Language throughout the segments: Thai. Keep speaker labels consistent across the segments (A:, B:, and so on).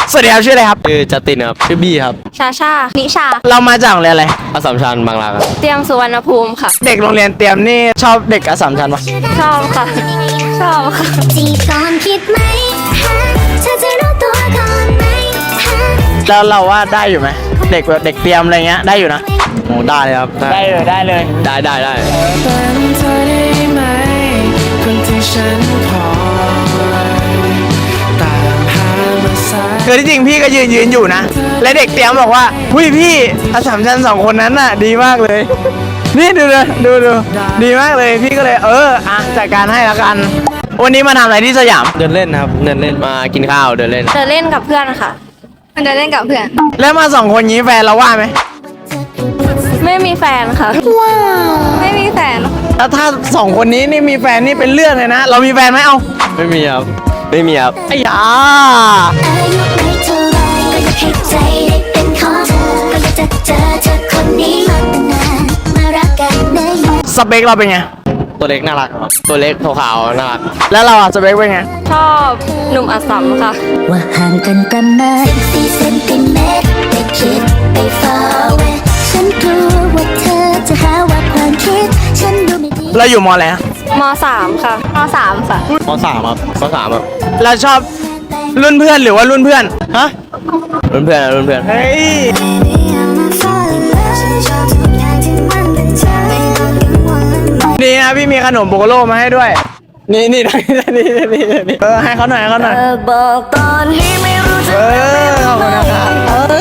A: สวัสดีครับชื่ออะไรครับ
B: ชื่อจัสตินครับชื่อบี้ครับ
C: ชาชานิชา
A: เรามาจากโรงเรียนอะไร
B: อัสสัมชัญบางรักครับ
C: เตรียมสุวรรณภูมิค่ะ
A: เด็กโรงเรียนเตรียมนี่ชอบเด็กอัสสัมชัญปะ
C: ชอบค่ะ ชอบค่ะ
D: จีบก่อนคิดไหมฮะเธอจะรู้ตัวก่อนไหมฮะ
A: แล้วเราว่าได้อยู่ไหมเด็กแบบเด็กเตรียมอะไรเงี้ยได้อยู่นะ
B: โอ้ได้เลยครับ
A: ได้เลยได้เลย
B: ได้
E: เป็นเธอได้ไหมคนที่ฉันคอยตามหามาสาย
A: คือที่จริงพี่ก็ยืนอยู่นะและเด็กเตรียมบอกว่าหุ้ยพี่อัสสัมชัญ2คนนั้นน่ะดีมากเลย นี่ดูเลยดูดีมากเลยพี่ก็เลยจัดการให้แล้วกัน วันนี้มาทำอะไรที่สยาม
B: เดินเล่นครับเดินเล่นมากินข้าวเดินเล่น
C: เดินเล่นกับเพื่อนค่ะเดินเล่นกับเพื่อน
A: แล้วมา2คนนี้แฟนเราว่าไหม
C: ไม่มีแฟนค่ะ ไม่มีแฟน
A: แล้วถ้า2คนนี้นี่มีแฟนนี่เป็นเรื่องเลยนะ เรามีแฟนไหมเอา
B: ไม่มีครับไม่มีครับ
A: ไอ้ยา
D: อายุไม่เท่าไรก็อยากให้ใจได้เป็นของเธอก็อยากจะเจอเธอคนนี้มาตั้งนานมารักกันได้ยัง
A: สเปคเราเป็นไง
B: ตัวเล็กน่ารักครับตัวเล็กขาวๆน่ารัก
A: แล้วเราอะสเปคเป็นไง
C: ชอบหนุ่มอัสสัมค่ะ
D: ว่าห่างกันประมาณ14 เซนติเมตรไม่คิดไป far away ฉันกลัวว่าเธอจะหาว่าความคิดฉันดูไม่ดี
A: เราอยู่มออะไรอะ
C: ม3ค่ะม3ค่ะ
B: มสามครับมสามครับ
A: เราชอบรุ่นเพื่อนหรือว่ารุ่นเพื่อนฮะ
B: รุ่นเพื่อนรุ่นเพื่อน
A: เฮ้ย
D: Baby, I'm a falling love ฉันชอบทุกอย่างที่มันเป็นเธอไม่ต้องกังวลเลย
A: นี่นะพี่มีขนมโบโกโลมาให้ด้วย นี่ให้เขาหน่อย
C: บอกตอนนี้ไม่รู้จะ
A: ขอบคุณนะครับ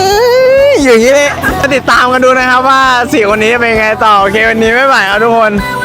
A: อย่างนี้เลยติดตามกันดูนะครับว่า4คนนี้จะเป็นไงต่อโอเควันนี้ไม่ไหวครับทุกคน